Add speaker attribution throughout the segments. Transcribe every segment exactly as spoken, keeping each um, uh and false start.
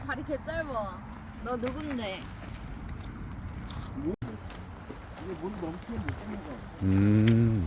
Speaker 1: 다리 개 짧아. 너 누군데?
Speaker 2: 이게 물 넘치면 못 먹어.
Speaker 3: 음.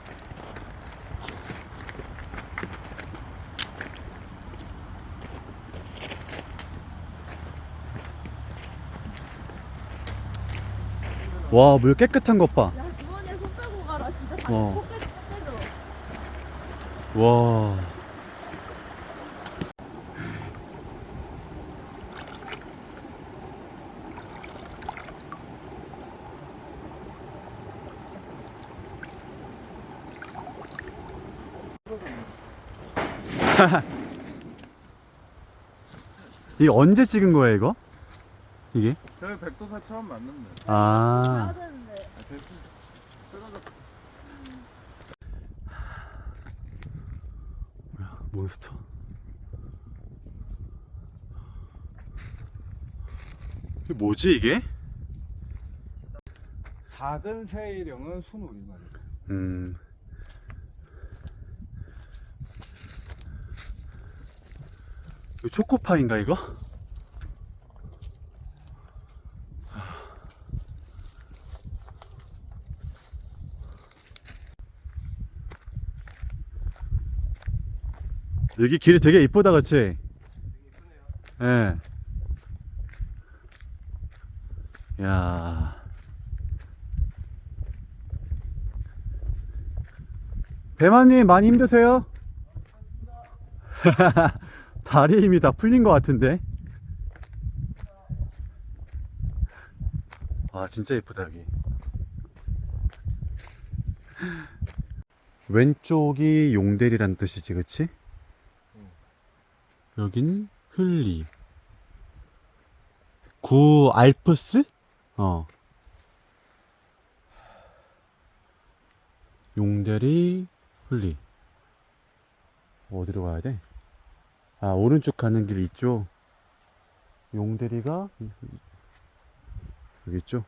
Speaker 3: 와, 물 깨끗한 것 봐.
Speaker 1: 야, 주머니에 손 빼고 가라. 진짜 다시
Speaker 3: 어.
Speaker 1: 코끼리 떼줘.
Speaker 3: 와. 이게 언제 찍은 거야, 이거? 이게?
Speaker 2: 저희 백도사 처음 만났네.
Speaker 3: 아.
Speaker 1: 가야 되는데.
Speaker 2: 아, 됐어. 떨어졌어.
Speaker 3: 뭐야, 몬스터. 이게 뭐지, 이게?
Speaker 2: 작은 새이령은 순우리말이에요.
Speaker 3: 음. 이거 초코파인가, 이거? 여기 길이 되게 이쁘다, 그치? 예. 네. 야. 배마님 많이 힘드세요? 다리 힘이 다 풀린 것 같은데. 아, 진짜 예쁘다 여기. 왼쪽이 용대리란 뜻이지, 그치? 여긴 흘리. 구 알프스? 어. 용대리, 흘리. 어디로 가야 돼? 아, 오른쪽 가는 길 있죠? 용대리가 여기 있죠?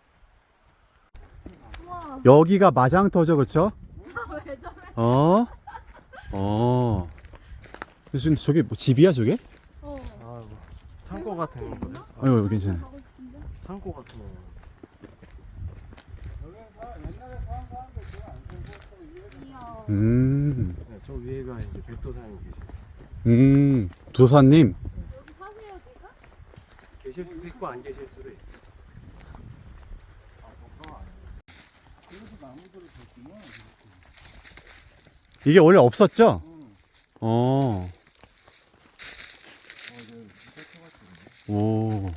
Speaker 1: 우와.
Speaker 3: 여기가 마장터죠, 그쵸?
Speaker 1: 왜 저래?
Speaker 3: 어? 어. 지금 저게 뭐 집이야, 저게?
Speaker 1: 어.
Speaker 2: 아, 뭐 창고 같은 거거든.
Speaker 3: 아유, 여기 괜찮아.
Speaker 1: 가고 싶은데?
Speaker 2: 창고 같은 거.
Speaker 1: 귀여워.
Speaker 3: 음,
Speaker 2: 네, 저 위에가 이제 백도사님 계시.
Speaker 3: 음, 도사님.
Speaker 1: 여기 사세요, 지금?
Speaker 2: 계실 수도 있고 안 계실 수도 있어.
Speaker 3: 이게 원래 없었죠? 어. 오.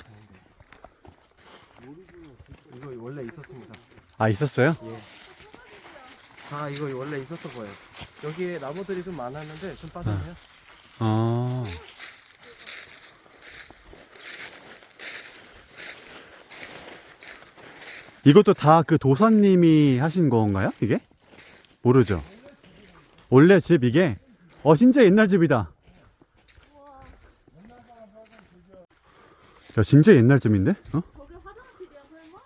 Speaker 2: 이거 원래 있었습니다.
Speaker 3: 아, 있었어요?
Speaker 2: 예. 다 이거 원래 있었어 보여요. 여기에 나무들이 좀 많았는데 좀 빠졌네요.
Speaker 3: 아. 이것도 다 그 도사님이 하신 건가요? 이게? 모르죠. 원래 집 이게? 어, 진짜 옛날 집이다.
Speaker 1: 우와.
Speaker 3: 야, 진짜 옛날 집인데? 어?
Speaker 1: 저게 화장실이야, 설마?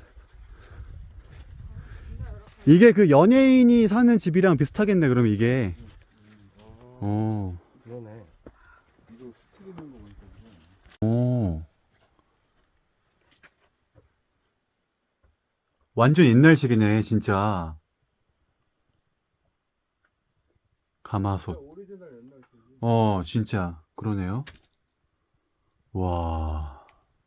Speaker 3: 이게 그 연예인이 사는 집이랑 비슷하겠네, 그럼 이게. 어.
Speaker 2: 그러네.
Speaker 3: 어. 완전 옛날식이네, 진짜. 가마솥.
Speaker 2: 오리지널 옛날 집.
Speaker 3: 어, 진짜. 그러네요. 와.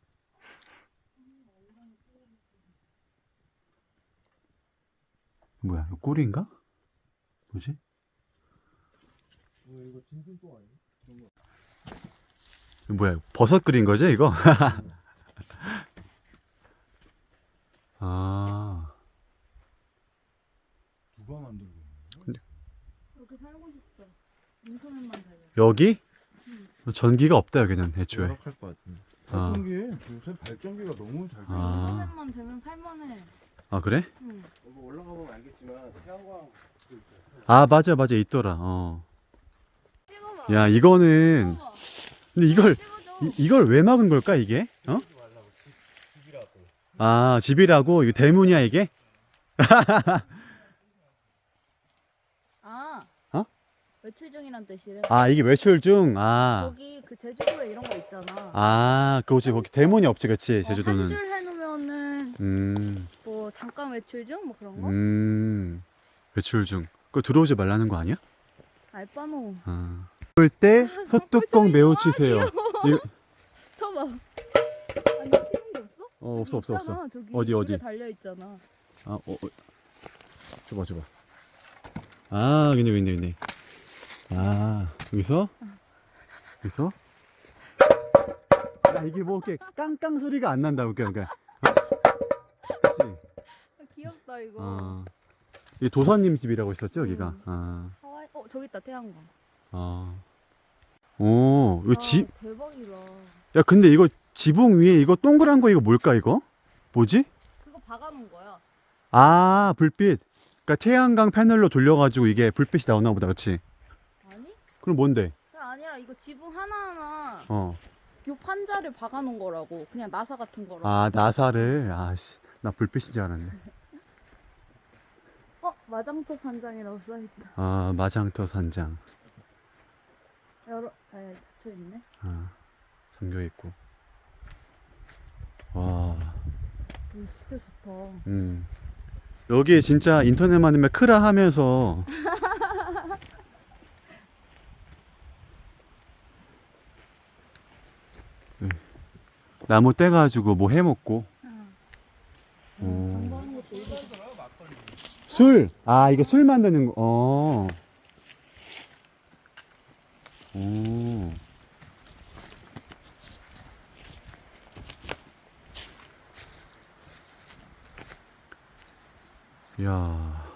Speaker 3: 뭐야, 이거 꿀인가? 뭐지?
Speaker 2: 이거 진진뽕 아니야?
Speaker 3: 이거 뭐야, 버섯 끓인 거지, 이거? 아.
Speaker 2: 누가 만들고 있는
Speaker 1: 여기 살고 싶어. 인터넷만 달려.
Speaker 3: 여기? 전기가 없다, 여기는, 애초에.
Speaker 2: 열악할 것 같은데.
Speaker 3: 아.
Speaker 2: 발전기 요새 발전기가 너무 잘 돼.
Speaker 3: 아.
Speaker 1: 인터넷만 되면 살만해.
Speaker 3: 아, 그래?
Speaker 1: 응.
Speaker 2: 이거 올라가 보면 알겠지만 태양광
Speaker 3: 아, 맞아, 맞아, 있더라, 어.
Speaker 1: 찍어봐.
Speaker 3: 야, 이거는,
Speaker 1: 찍어봐.
Speaker 3: 근데 이걸,
Speaker 1: 찍어줘.
Speaker 3: 이, 이걸 왜 막은 걸까, 이게? 어? 아, 집이라고? 이거 대문이야, 이게?
Speaker 1: 아.
Speaker 3: 어?
Speaker 1: 외출 중이란 뜻이래.
Speaker 3: 아 이게 외출 중. 아.
Speaker 1: 거기 그 제주도에 이런 거 있잖아.
Speaker 3: 아 그거지 거기 대문이 없지 그치 제주도는.
Speaker 1: 한 줄 해놓으면은
Speaker 3: 음.
Speaker 1: 뭐 잠깐 외출 중 뭐 그런 거?
Speaker 3: 음. 외출 중. 그거 들어오지 말라는 거 아니야?
Speaker 1: 알바노.
Speaker 3: 아. 그럴 때 소뚜껑 매우 치세요. 이거
Speaker 1: 쳐봐. 아니 치는 게 없어?
Speaker 3: 어 없어 없어 없어.
Speaker 1: 있잖아, 저기
Speaker 3: 어디, 어디?
Speaker 1: 줄에 달려 있잖아.
Speaker 3: 아, 어, 어. 줘봐, 줘봐. 아, 여기네, 여기네, 여기네. 아, 여기서? 여기서? 야, 이게 뭐, 이렇게 깡깡 소리가 안 난다, 그러니까. 그러니까. 어? 그치?
Speaker 1: 아, 귀엽다 이거.
Speaker 3: 어. 이 도사님 집이라고 있었지, 여기가?
Speaker 1: 음.
Speaker 3: 아,
Speaker 1: 하와이. 어 저기 있다 태양광.
Speaker 3: 아. 오, 이거
Speaker 1: 아,
Speaker 3: 집,
Speaker 1: 대박이다.
Speaker 3: 야, 근데 이거 지붕 위에 이거 동그란 거 이거 뭘까, 이거? 뭐지?
Speaker 1: 그거 박아놓은 거야.
Speaker 3: 아, 불빛. 그러니까 태양광 패널로 돌려가지고 이게 불빛이 나오나 보다, 그치?
Speaker 1: 아니?
Speaker 3: 그럼 뭔데?
Speaker 1: 그게 아니라 이거 지붕 하나하나
Speaker 3: 어.
Speaker 1: 요 판자를 박아놓은 거라고. 그냥 나사 같은 거라고.
Speaker 3: 아, 나사를. 아씨, 나 불빛인 줄 알았네.
Speaker 1: 어 마장터 산장이라고 써있다.
Speaker 3: 아, 마장터 산장.
Speaker 1: 여러 아 닫혀 있네.
Speaker 3: 아, 잠겨 있고. 와,
Speaker 1: 오 진짜 좋다.
Speaker 3: 음. 여기 진짜 인터넷 많으면 크라 하면서. 네. 나무 떼가지고 뭐 해먹고. 오.
Speaker 1: 공부하는 것도 이거.
Speaker 3: 술! 아, 이거 술 만드는 거. 어. 오. 야.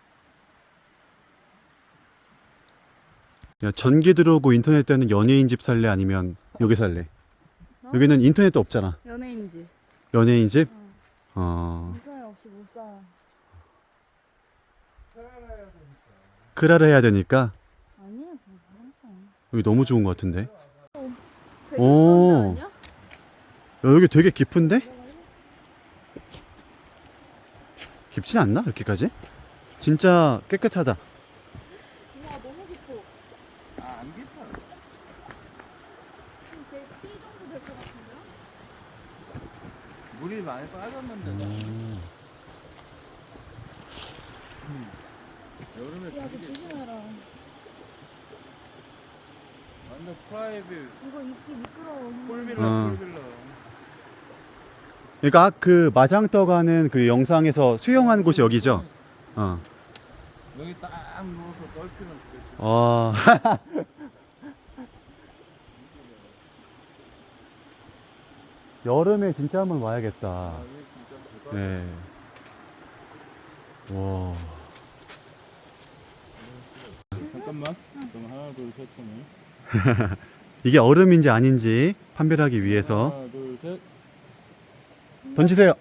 Speaker 3: 야, 전기 들어오고 인터넷 되는 연예인 집 살래? 아니면 여기 살래?
Speaker 1: 어?
Speaker 3: 여기는 인터넷도 없잖아.
Speaker 1: 연예인지.
Speaker 3: 연예인 집?
Speaker 1: 어.
Speaker 3: 어.
Speaker 1: 인터넷 없이 못 살아.
Speaker 3: 크라를 해야 되니까
Speaker 1: 아니야 그거
Speaker 3: 여기 너무 좋은 것 같은데.
Speaker 1: 되게
Speaker 3: 오.
Speaker 1: 그런 데 아니야?
Speaker 3: 야, 여기 되게 깊은데? 깊진 않나? 이렇게까지? 진짜 깨끗하다.
Speaker 1: 우와 너무 깊어.
Speaker 2: 아안 깊어.
Speaker 1: 지금 제키 정도 될 것 같은데요?
Speaker 2: 물이 많이 빠졌는데.
Speaker 3: 음.
Speaker 2: 여름에
Speaker 1: 야, 너
Speaker 2: 되게
Speaker 1: 조심해라.
Speaker 2: 완전 프라이빗
Speaker 1: 이거 입기 미끄러워.
Speaker 2: 폴빌라
Speaker 3: 어.
Speaker 2: 폴빌라.
Speaker 3: 그러니까 그 마장터 가는 그 영상에서 수영한 곳이 여기죠? 어.
Speaker 2: 여기 딱 누워서 떨피면 되겠지.
Speaker 3: 어. 여름에 진짜 한번 와야겠다.
Speaker 2: 아, 여기 진짜 대박.
Speaker 3: 네. 와.
Speaker 2: 잠깐만. 그럼 하나 둘셋 하면.
Speaker 3: 이게 얼음인지 아닌지 판별하기 위해서
Speaker 2: 하나 둘 셋.
Speaker 3: 던지세요.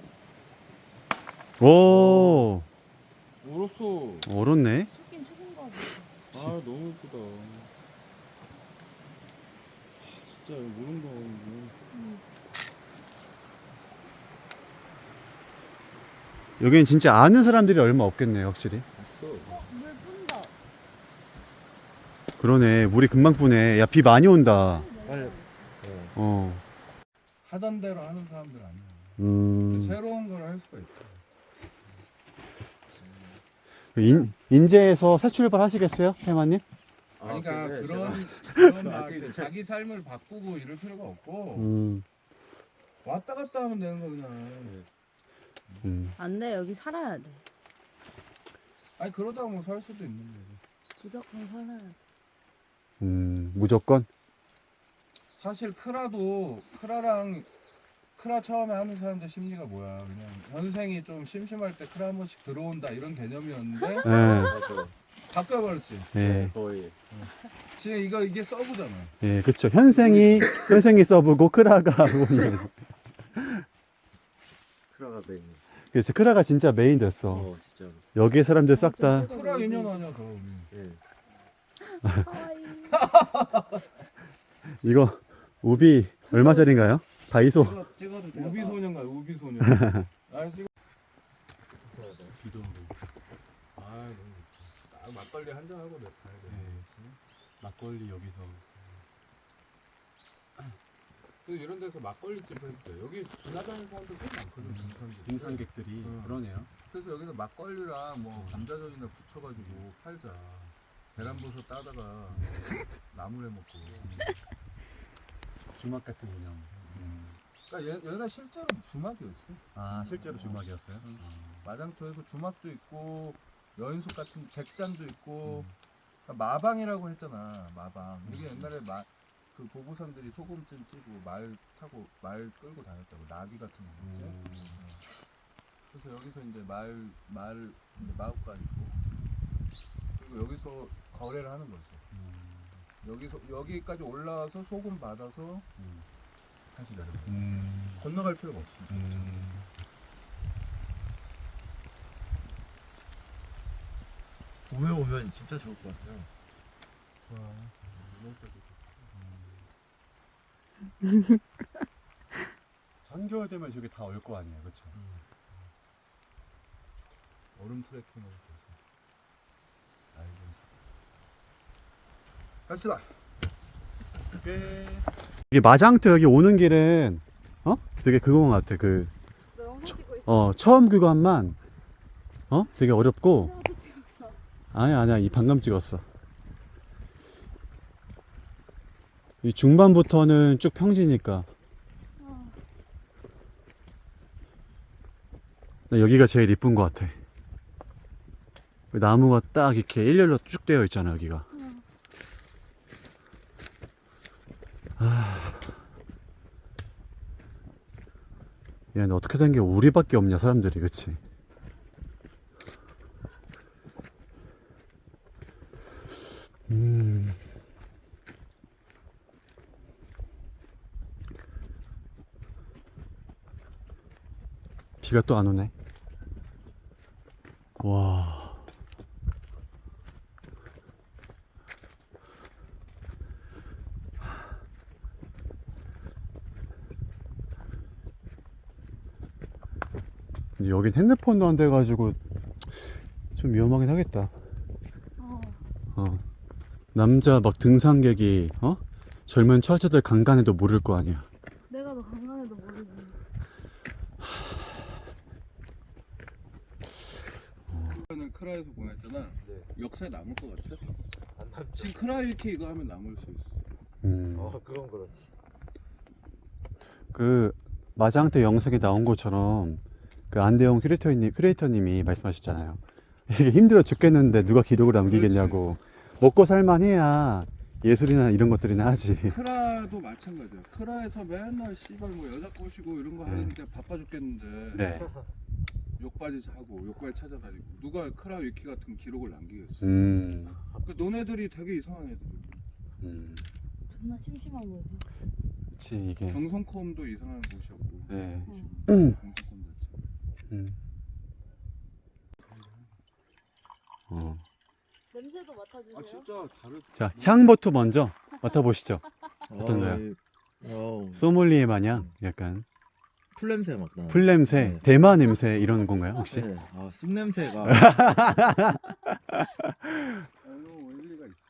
Speaker 3: 오.
Speaker 2: 오로소.
Speaker 3: 얼었네.
Speaker 1: 춥긴 추운가 보다.
Speaker 2: 아 너무 예쁘다. 진짜 모른다 이거.
Speaker 3: 여기는 진짜 아는 사람들이 얼마 없겠네요, 확실히.
Speaker 2: 봤어.
Speaker 1: 어, 물 뿜다.
Speaker 3: 그러네. 물이 금방 뿌네. 야, 비 많이 온다.
Speaker 2: 빨리.
Speaker 3: 어.
Speaker 2: 하던 대로 하는 사람들 아니야.
Speaker 3: 음.
Speaker 2: 새로운 걸 할 수가 있어.
Speaker 3: 인, 인제에서 새 출발 하시겠어요, 해마님?
Speaker 2: 아니, 그러니까
Speaker 4: 근데
Speaker 2: 그런
Speaker 4: 제가-
Speaker 2: 그런 막
Speaker 4: 아직-
Speaker 2: 이렇게 자기 삶을 바꾸고 이럴 필요가 없고
Speaker 3: 음.
Speaker 2: 왔다 갔다 하면 되는 거 그냥.
Speaker 3: 음.
Speaker 1: 안 돼, 여기 살아야 돼.
Speaker 2: 아니 그러다 뭐 살 수도 있는데.
Speaker 1: 무조건 살아야 돼.
Speaker 3: 음. 무조건?
Speaker 2: 사실 크라도 크라랑 크라 처음에 하는 사람들 심리가 뭐야? 그냥 현생이 좀 심심할 때 크라 한 번씩 들어온다 이런 개념이었는데
Speaker 3: 예.
Speaker 4: 맞아.
Speaker 2: 바꿔버렸지.
Speaker 3: 예.
Speaker 4: 거의.
Speaker 2: 지금 이거 이게 서브잖아.
Speaker 3: 예, 그쵸. 현생이, 현생이 써보고 크라가 오는 거지.
Speaker 4: 크라가 메인.
Speaker 3: 그래서 크라가 진짜 메인 됐어.
Speaker 4: 어 진짜로.
Speaker 3: 여기에 사람들 싹 다.
Speaker 2: 크라 유년 아니야 그럼.
Speaker 4: 예.
Speaker 1: 하와이.
Speaker 3: 이거, 우비, 얼마짜린가요? 다이소.
Speaker 2: 찍어, 찍어도 돼. 우비 소년가 우비 소년. 아 지금. 비도 오고. 아 너무 좋다. 딱 막걸리 한 잔 하고 내 가야 돼.
Speaker 3: 막걸리 여기서.
Speaker 2: 또 이런 데서 막걸리집 했대. 여기 지나가는 사람들 꽤 많거든. 등산객.
Speaker 3: 등산객들이
Speaker 2: 응.
Speaker 3: 그러네요.
Speaker 2: 그래서 여기서 막걸리랑 뭐 감자전이나 부쳐가지고 팔자. 계란버섯 따다가 나물에 먹고.
Speaker 3: 주막 같은 운영.
Speaker 2: 음. 그러니까 얘, 얘가 실제로 주막이었어.
Speaker 3: 아 실제로 주막이었어요?
Speaker 2: 응. 마장터에서 주막도 있고 여인숙 같은 백장도 있고
Speaker 3: 음.
Speaker 2: 그러니까 마방이라고 했잖아. 마방. 이게 옛날에 마, 그 보고선들이 소금찜 찌고 말 타고 말 끌고 다녔다고. 나귀 같은 거 있지.
Speaker 3: 음.
Speaker 2: 그래서 여기서 이제 말, 말, 이제 마구간 있고, 그리고 여기서 거래를 하는 거지.
Speaker 3: 음.
Speaker 2: 여기서, 여기까지 올라와서 소금 받아서
Speaker 3: 음.
Speaker 2: 다시 내려가.
Speaker 3: 음.
Speaker 2: 건너갈 필요가 없어.
Speaker 3: 음.
Speaker 4: 봄에 오면 진짜 좋을 것 같아요.
Speaker 2: 좋아. 이럴 때도
Speaker 3: 한겨울 되면 저기 다 올 거 아니에요, 그렇죠?
Speaker 2: 좋고. 얼음 트레킹을 해서. 아이고. 갑시다.
Speaker 3: 이게 마장터 여기 오는 길은 어? 되게 그거 같아. 그
Speaker 1: 너 영상 찍고 있어.
Speaker 3: 어, 처음 구간만 어? 되게 어렵고.
Speaker 1: 내가도 찍었어.
Speaker 3: 아니야, 아니야. 이 방금 찍었어. 이 중반부터는 쭉 평지니까.
Speaker 1: 어.
Speaker 3: 나 여기가 제일 이쁜 것 같아. 나무가 딱 이렇게 일렬로 쭉 되어 있잖아, 여기가.
Speaker 1: 응.
Speaker 3: 아. 야, 근데 어떻게 된 게 우리밖에 없냐, 사람들이, 그치? 음. 비가 또 안 오네. 와. 근데 여긴 핸드폰도 안 돼가지고 좀 위험하긴 하겠다.
Speaker 1: 어.
Speaker 3: 어. 남자 막 등산객이 어? 젊은 처자들 간간해도 모를 거 아니야.
Speaker 1: 내가 너 건강해도 모르지.
Speaker 2: 이거는 크라에서 보냈잖아.
Speaker 4: 네.
Speaker 2: 역사에 남을 것 같아?
Speaker 4: 안 남죠.
Speaker 2: 지금 크라 이렇게 이거 하면 남을 수 있어.
Speaker 3: 음.
Speaker 4: 어, 그건 그렇지.
Speaker 3: 그 마장터 영상에 나온 것처럼 그 안대영 큐레이터님, 큐레이터님이 말씀하셨잖아요. 이게 힘들어 죽겠는데 누가 기록을 남기겠냐고. 먹고 살만해야 예술이나 이런 것들이나 하지.
Speaker 2: 크라도 마찬가지야. 크라에서 맨날 씨발 뭐 여자 꼬시고 이런 거
Speaker 3: 네.
Speaker 2: 하는데 바빠 죽겠는데
Speaker 3: 네.
Speaker 2: 욕바지 사고 욕바지 찾아다니고 누가 크라 위키 같은 기록을 남기겠어.
Speaker 3: 음.
Speaker 2: 그 너네들이 되게 이상한 애들.
Speaker 3: 음.
Speaker 1: 존나 심심한 거지.
Speaker 3: 그치 이게.
Speaker 2: 경성컴도 이상한 곳이었고.
Speaker 3: 네.
Speaker 1: 응.
Speaker 2: 경성컴 자체.
Speaker 3: 음. 어.
Speaker 1: 냄새도 맡아주세요.
Speaker 2: 아 진짜 다르.
Speaker 3: 자, 향부터 먼저 맡아보시죠. 어떤가요?
Speaker 4: 어,
Speaker 3: 소믈리에 마냥 약간
Speaker 4: 풀 냄새 막 나.
Speaker 3: 풀 냄새,
Speaker 4: 네.
Speaker 3: 대마 냄새 이런 건가요 혹시?
Speaker 4: 네. 아, 쑥 냄새가.
Speaker 2: 아유 일리가 있어.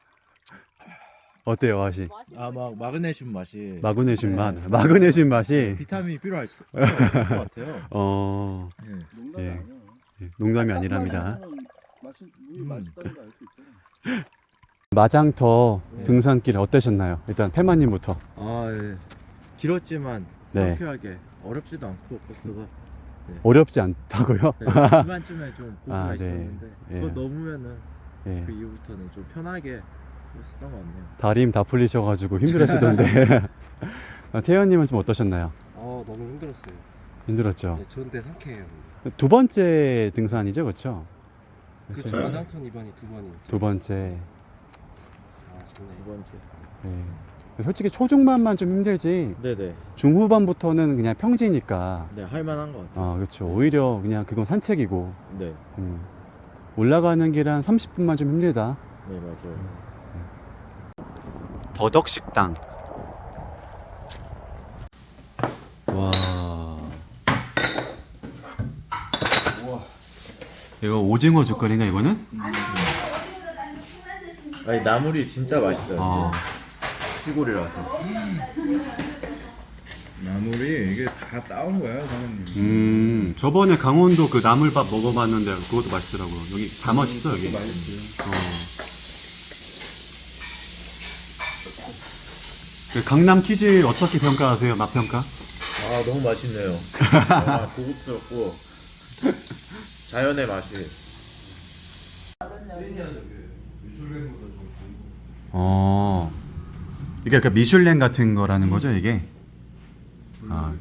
Speaker 3: 어때요 맛이?
Speaker 1: 맛이
Speaker 4: 아, 막 마그네슘 맛이.
Speaker 3: 마그네슘 맛,
Speaker 4: 네.
Speaker 3: 마그네슘 맛이.
Speaker 4: 비타민이 필요할 수 없을 것 같아요.
Speaker 3: 어,
Speaker 4: 네.
Speaker 2: 농담이
Speaker 3: 예.
Speaker 2: 아니야.
Speaker 3: 농담이 아니랍니다.
Speaker 2: 맛이 물이
Speaker 4: 음.
Speaker 2: 맛있다는 거 알 수 있잖아.
Speaker 3: 마장터
Speaker 4: 네.
Speaker 3: 등산길 어떠셨나요? 일단 페마님부터.
Speaker 4: 아, 예. 길었지만
Speaker 3: 네.
Speaker 4: 상쾌하게 어렵지도 않고 코스가.
Speaker 3: 어렵지 않다고요?
Speaker 4: 네, 중간쯤에 좀 고비가
Speaker 3: 아, 네.
Speaker 4: 있었는데
Speaker 3: 예.
Speaker 4: 그거 넘으면은
Speaker 3: 예.
Speaker 4: 그 이후부터는 좀 편하게 했었던 것 같네요.
Speaker 3: 다리 힘 다 풀리셔가지고 힘들으시던데. 아, 태연님은 좀 어떠셨나요?
Speaker 5: 어 너무 힘들었어요.
Speaker 3: 힘들었죠.
Speaker 5: 네, 좋은데 상쾌해요.
Speaker 3: 두 번째 등산이죠, 그렇죠?
Speaker 5: 그쵸. 마장턴 이번이 두 번이.
Speaker 3: 두 번째.
Speaker 5: 아 좋네.
Speaker 4: 두 번째.
Speaker 3: 예. 솔직히 초중반만 좀 힘들지
Speaker 4: 네네.
Speaker 3: 중후반부터는 그냥 평지니까.
Speaker 4: 네, 할만한 것 같아요.
Speaker 3: 아 그렇죠. 오히려 그냥 그건 산책이고.
Speaker 4: 네,
Speaker 3: 음. 올라가는 길 한 삼십 분만 좀 힘들다.
Speaker 4: 네 맞아요.
Speaker 3: 더덕식당. 와.
Speaker 2: 우와.
Speaker 3: 이거 오징어 젓갈인가 이거는?
Speaker 4: 아니 나물이 진짜 맛있어요.
Speaker 3: 어.
Speaker 4: 시골이라서.
Speaker 2: 나물이 이게 다 따온 거야, 사장님.
Speaker 3: 음, 저번에 강원도 그 나물밥 먹어봤는데 그것도 맛있더라고요. 여기 다 맛있어 여기.
Speaker 2: 맛있어요.
Speaker 3: 어. 그 강남 키즈 어떻게 평가하세요? 맛 평가?
Speaker 4: 아 너무 맛있네요. 아, 고급스럽고 자연의 맛이.
Speaker 3: 어. 이게 약간 미슐랭 같은 거라는 거죠, 이게? 아.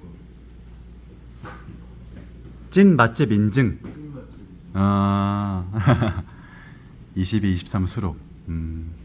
Speaker 3: 찐 맛집 인증. 아. 이십이, 이십삼 수록. 음.